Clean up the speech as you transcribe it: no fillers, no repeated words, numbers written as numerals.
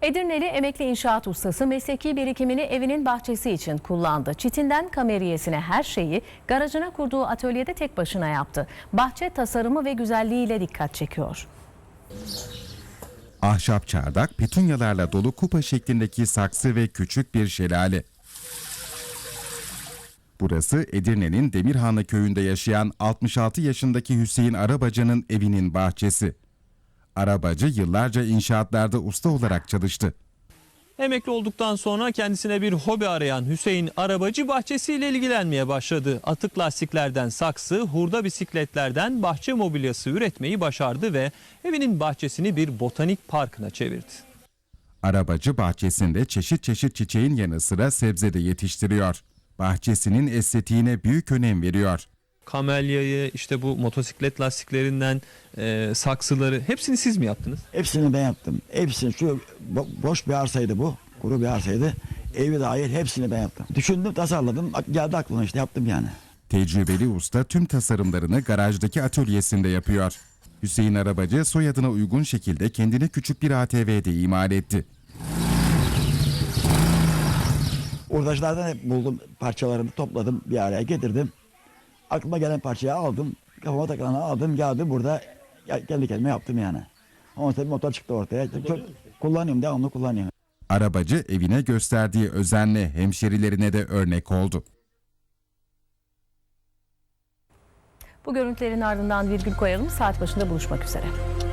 Edirneli emekli inşaat ustası mesleki birikimini evinin bahçesi için kullandı. Çitinden kameriyesine her şeyi garajına kurduğu atölyede tek başına yaptı. Bahçe tasarımı ve güzelliğiyle dikkat çekiyor. Ahşap çardak, petunyalarla dolu kupa şeklindeki saksı ve küçük bir şelale. Burası Edirne'nin Demirhanlı köyünde yaşayan 66 yaşındaki Hüseyin Arabacı'nın evinin bahçesi. Arabacı yıllarca inşaatlarda usta olarak çalıştı. Emekli olduktan sonra kendisine bir hobi arayan Hüseyin Arabacı bahçesiyle ilgilenmeye başladı. Atık lastiklerden saksı, hurda bisikletlerden bahçe mobilyası üretmeyi başardı ve evinin bahçesini bir botanik parkına çevirdi. Arabacı bahçesinde çeşit çeşit çiçeğin yanı sıra sebze de yetiştiriyor. Bahçesinin estetiğine büyük önem veriyor. Kamelyayı, işte bu motosiklet lastiklerinden saksıları hepsini siz mi yaptınız? Hepsini ben yaptım. Hepsini boş bir arsaydı bu. Kuru bir arsaydı. Evi dahil hepsini ben yaptım. Düşündüm, tasarladım. Geldi aklıma işte yaptım yani. Tecrübeli usta tüm tasarımlarını garajdaki atölyesinde yapıyor. Hüseyin Arabacı soyadına uygun şekilde kendine küçük bir ATV'de imal etti. Urdaşlardan hep buldum parçalarını, topladım, bir araya getirdim. Aklıma gelen parçayı aldım, kafama takılanı aldım, geldim burada kendi kendime yaptım yani. Ondan sonra motor çıktı ortaya. Çok kullanıyorum, devamlı kullanıyorum. Arabacı evine gösterdiği özenle hemşerilerine de örnek oldu. Bu görüntülerin ardından virgül koyalım. Saat başında buluşmak üzere.